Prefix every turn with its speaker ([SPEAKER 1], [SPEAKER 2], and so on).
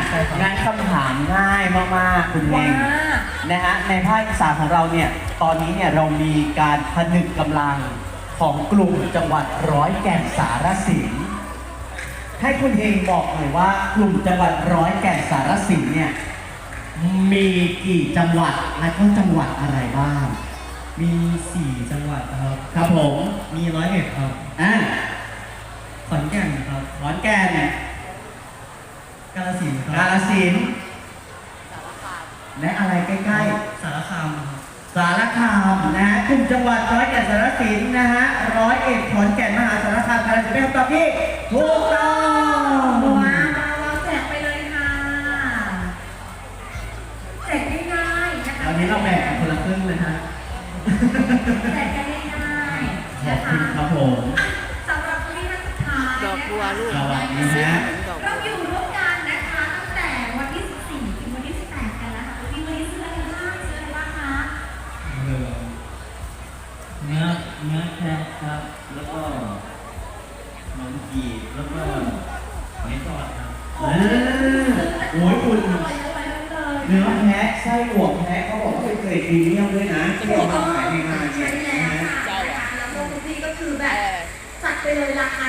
[SPEAKER 1] งั้นคำถามง่ายมากๆคุณเฮ
[SPEAKER 2] ว่าง
[SPEAKER 1] นะฮะในภาคอีสานของเราเนี่ยตอนนี้เนี่ยเรามีการผนึกกำลังของกลุ่มจังหวัดร้อยแก่นสารสินให้คุณเฮงบอกหน่อยว่ากลุ่มจังหวัดร้อยแก่นสารสินเนี่ยมีกี่จังหวัดและก็จังหวัดอะไรบ้าง
[SPEAKER 3] มี4จังหวัดครับ
[SPEAKER 1] ครับผม
[SPEAKER 3] มี101ครับ
[SPEAKER 1] อ่า
[SPEAKER 3] ขอนแก่นครับ
[SPEAKER 1] ขอนแก่น
[SPEAKER 3] กาฬสินธุ์ค
[SPEAKER 1] กา
[SPEAKER 3] รับ
[SPEAKER 1] ฬสินธุ์และอะไรใกล้
[SPEAKER 3] สารคามครับ
[SPEAKER 1] ๆ สารคามนะฮะกลุ่มจังหวัดร้อยแก่นสารสินนะฮะ101ขอนแก่นมหาสารคามกาฬสินธุ์เป็นคำตอบที่ถูกต้อง
[SPEAKER 2] ว้าวเราแจกไปเลยค่ะแจกง่ายๆนะคะ
[SPEAKER 1] วันนี้เราแบ่งกันคนละครึ่งเลยฮะ
[SPEAKER 2] แจกกันง่ายๆ
[SPEAKER 1] ขอ
[SPEAKER 2] นะ
[SPEAKER 1] บ
[SPEAKER 2] คะ
[SPEAKER 1] คุณครับผม
[SPEAKER 2] สำหรับวันนี้ท่านสุดท้าย
[SPEAKER 4] ดอกบัวลูก
[SPEAKER 1] สวัสดีฮะ
[SPEAKER 2] เราอยู่ร่วมกันนะคะตั้งแต่วันที่ 14 ถึงวันที่ 18 กันแล้วค่ะวันนี้ซื้ออะไรบ้างซื้ออะไรบ้างคะ
[SPEAKER 3] เนื้อแพะครับ แล้วก็ขนมจีบแล้วก็หอยทอดครับ
[SPEAKER 1] โอ้ยคุณ
[SPEAKER 2] อร่อยเลย
[SPEAKER 1] เนื้อแพะไส้อั่วแพะเขาบอกว่าเป็นเกรดพรีเมียมด้วยนะที่เอามาขายในงาน
[SPEAKER 2] ใช่
[SPEAKER 1] เนี่ย
[SPEAKER 2] แล้ว
[SPEAKER 1] นะฮะ
[SPEAKER 2] ค่ะแล้วพวกคุณพี่ก็คือแบบจัดไปเลยราคา